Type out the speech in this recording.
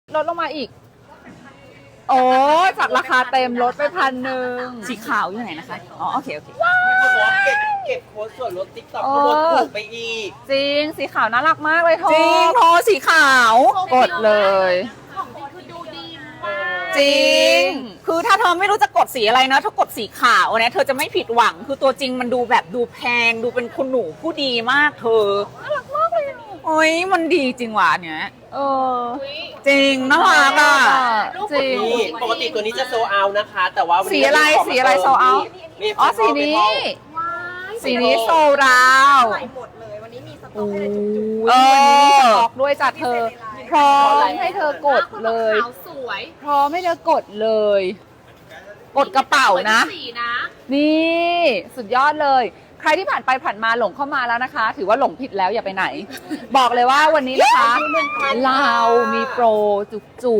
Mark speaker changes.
Speaker 1: ลดลงมาอีก โอ้จากราคาเต็มลดไป1,000สีขาวอยู่ไหนนะคะอ๋อโอเคโอเค
Speaker 2: เขาบอกว่าเก็บโค้ดส่วนลดติ๊กต็อกเขาลดถูกไปอีก
Speaker 1: จริงสีขาวน่ารักมากเลยโท
Speaker 3: จริงโทสีขาว
Speaker 1: กดเลย
Speaker 4: ของจริงคือดูดีมาก
Speaker 3: จริง คือถ้าเธอไม่รู้จะกดสีอะไรนะเธอกดสีขาวเนี่ยเธอจะไม่ผิดหวัง คือตัวจริงมันดูแบบดูแพง ดูเป็นคุณหนูผู้ดีมากเธอ น่ารักมากเลยโอ้ยมันดีจริงว่ะเนี่ย
Speaker 1: เออ
Speaker 3: จริงน่ารักอ่ะ
Speaker 1: จริง
Speaker 2: นี่ปกติตัวนี้จะโซเอานะคะ แต่ว่าวันนี้
Speaker 1: สีอะไร
Speaker 2: ขง
Speaker 1: สีอะไร
Speaker 2: เติม
Speaker 1: sold out
Speaker 2: นี่
Speaker 1: อ๋อสีนี้
Speaker 4: ว้าย
Speaker 1: สีนี้โซราว
Speaker 5: ใส่หมดเลย วันนี้มีสต็
Speaker 1: โอ้
Speaker 5: อก
Speaker 1: ย
Speaker 5: ให้เลยจุก
Speaker 1: วันนี้มีสต็อกด้วยจ้ะเธอ พร้อมให้เธอกดเลย
Speaker 4: ขาวสวย
Speaker 1: พร้อมให้เธอกดเลย กดกระเป๋านะ
Speaker 4: สวยทุกสีนะ
Speaker 1: นี่สุดยอดเลย ใครที่ผ่านไปผ่านมาหลงเข้ามาแล้วนะคะ ถือว่าหลงผิดแล้วอย่าไปไหน บอกเลยว่าวันนี้นะคะ เรามีโปรจุก